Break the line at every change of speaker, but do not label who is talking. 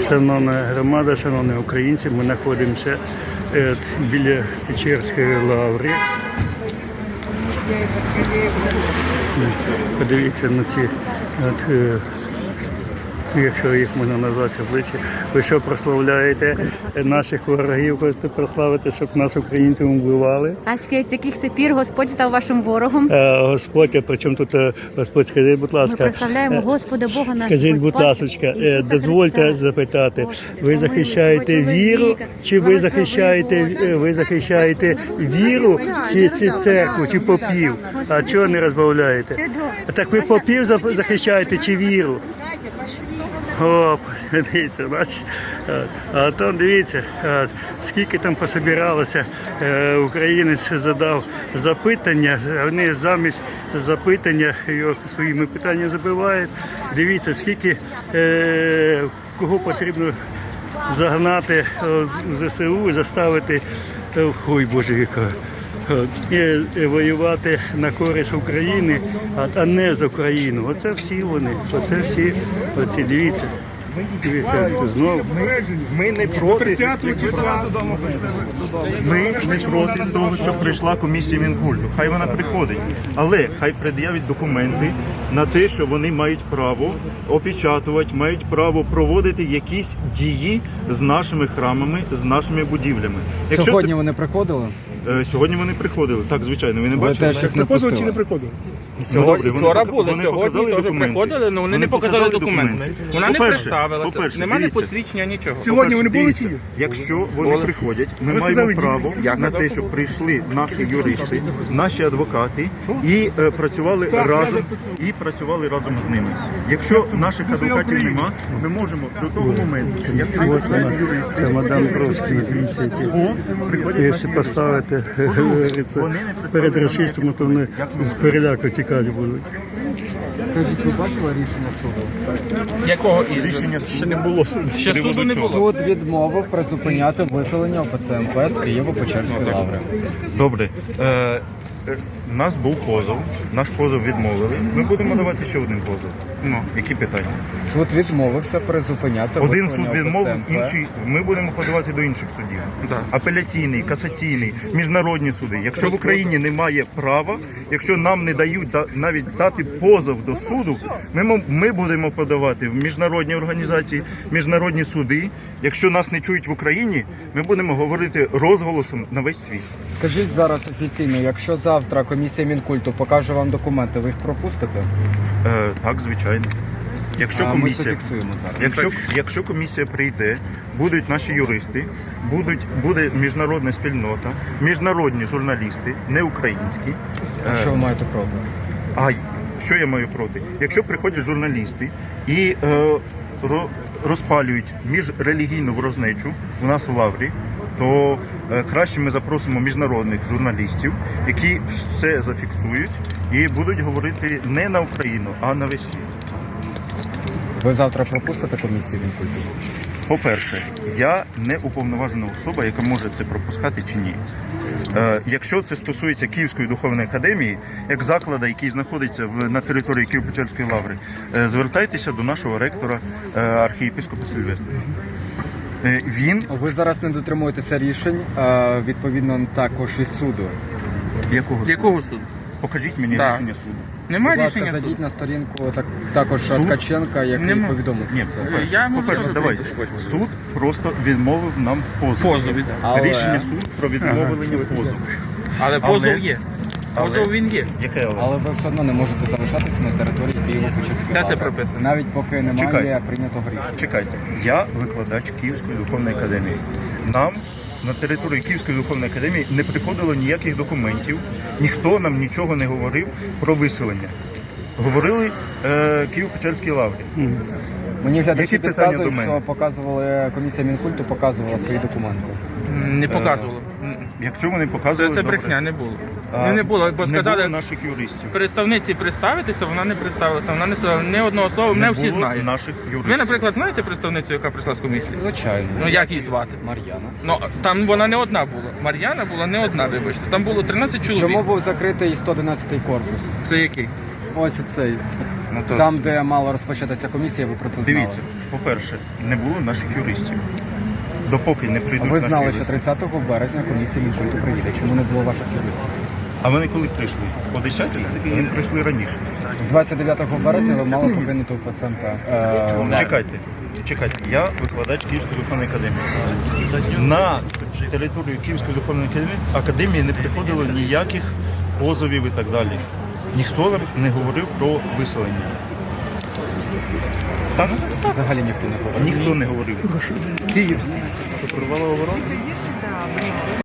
Шановна громада, шановні українці, ми знаходимося біля Печерської лаври. Подивіться на ці, якщо їх можна назвати обличчя. Ви що прославляєте наших ворогів, хочете прославити, щоб нас українців вбивали?
А з яких це пір Господь став вашим ворогом?
Господь, а при чому тут Господь? Скажіть, будь ласка.
Ми прославляємо Господа Бога нашого.
Скажіть, будь ласка, дозвольте запитати, ви захищаєте віру, чи ви захищаєте віру, чи церкву, чи попів? А чого не розбавляєте? Так ви попів захищаєте, чи віру? О, дивіться, бачите, а там дивіться, скільки там пособиралося, українець задав запитання, а вони замість запитання його своїми питаннями забивають. Дивіться, скільки, кого потрібно загнати в ЗСУ і заставити, ой, Боже, яка. І воювати на користь України, а не за Україну. Оце всі вони, оце всі, оці, дивіться. Дивіться, знову.
Ми не проти. Ми не проти того, щоб прийшла комісія Мінкульту. Хай вона приходить. Але хай пред'явить документи на те, що вони мають право опечатувати, мають право проводити якісь дії з нашими храмами, з нашими будівлями.
Сьогодні вони приходили?
Сьогодні вони приходили. Так, звичайно, ви не
Ви
бачили?
теж їх не
Приходили чи не
пустили?
приходили?
Вчора були, сьогодні теж приходили, але вони не показали документи. Вона не представилася, немає посвідчення, нічого.
Сьогодні вони були чи ні?
Якщо вони приходять, ми
Ви
маємо
сказали,
право на те, щоб прийшли наші юристи, наші адвокати і працювали разом з ними. Якщо наших адвокатів нема, ми можемо до того моменту, як приходять наші юристи,
Це мадам Бровський, дивіться, якщо поставити перед расистами, то вони з переляку тікати будуть.
Скажіть, ви бачили рішення суду?
Якого
рішення
ще не було? Ще суду не було.
Суд відмовив призупиняти виселення ОПЦ МП з Києво-Печерської лаври.
Добре. У нас був позов, наш позов відмовили. Ми будемо давати ще один позов. Які питання?
Суд відмовився призупиняти
Один
виселення
суд відмовив,
ОПЦ МП.
інший ми будемо подавати до інших судів. Апеляційний, касаційний, міжнародні суди. Якщо в Україні немає права, якщо нам не дають навіть дати позов до суду, ми будемо подавати в міжнародні організації, міжнародні суди. Якщо нас не чують в Україні, ми будемо говорити розголосом на весь світ.
Скажіть зараз офіційно, якщо завтра комісія Мінкульту покаже вам документи, ви їх пропустите?
Так, звичайно. Якщо
Ми це
комісія,
фіксуємо зараз.
якщо комісія прийде, будуть наші юристи, буде міжнародна спільнота, міжнародні журналісти, не українські.
Що ви маєте проти?
А що я маю проти? Якщо приходять журналісти і розпалюють міжрелігійну ворожнечу у нас в лаврі, то краще ми запросимо міжнародних журналістів, які все зафіксують і будуть говорити не на Україну, а на весь світ.
Ви завтра пропустите комісію Мінкульту?
По-перше, я не уповноважена особа, яка може це пропускати чи ні. Якщо це стосується Київської духовної академії, як закладу, який знаходиться на території Києво-Печерської лаври, звертайтеся до нашого ректора, архієпископа Сильвестра.
Ви зараз не дотримуєтеся рішень, відповідно також із суду.
Якого
суду?
Покажіть мені
Так.
рішення суду.
Немає
Будь ласка,
рішення суду.
зайдіть на сторінку також Ткаченка, який
Нема.
повідомив
Ні,
про це.
Я можу
по-перше,
зараз
давайте.
подивитися, що
Суд просто відмовив нам в позові.
Позові, так.
Але-
Рішення суду про відмовлення в позові.
Але позов є. Позов він є.
Яке але?
Але ви все одно не можете залишатися на території Києво-Печерської
Де
лаври.
це прописано?
Навіть поки немає
Чекайте.
прийнятого рішення.
Чекайте, я викладач Київської духовної академії. Нам на території Київської духовної академії не приходило ніяких документів, ніхто нам нічого не говорив про виселення. Говорили Києво-Печерській лаврі.
Мені глядачі
Які питання до
підказують,
мене?
що показували, комісія Мінкульту показувала свої документи.
Не показувало.
Якщо вони показували,
Це
добре.
брехня, не було. Не було, бо
Не
сказали
було наших юристів.
представниці представитися, вона не представилася, вона не сказала ні одного слова, мене всі
було
знають.
наших юристів.
Ви, наприклад, знаєте представницю, яка прийшла з комісії?
Звичайно.
Ну як її звати?
Мар'яна.
Ну там вона не одна була. Мар'яна була не одна, вибачте. Там було 13 чоловік.
Чому був закритий 111-й корпус?
Це який?
Ось цей.
Ну, то...
Там, де мала розпочатися комісія, ви про це знали.
Дивіться, по-перше, не було наших юристів. Допоки не прийдуть
Ви
наші
знали,
юристи.
що 30 березня комісія Мінкульту приїде. Чому не було ваших юристів?
А вони коли прийшли? О 10? Вони прийшли раніше.
29 березня ви мали покинути УПЦМК.
Чекайте. Я викладач Київської духовної академії. На територію Київської духовної академії не приходило ніяких позовів і так далі. Ніхто нам не говорив про виселення. Так?
Взагалі ніхто не говорив.
Ніхто не говорив. Київський.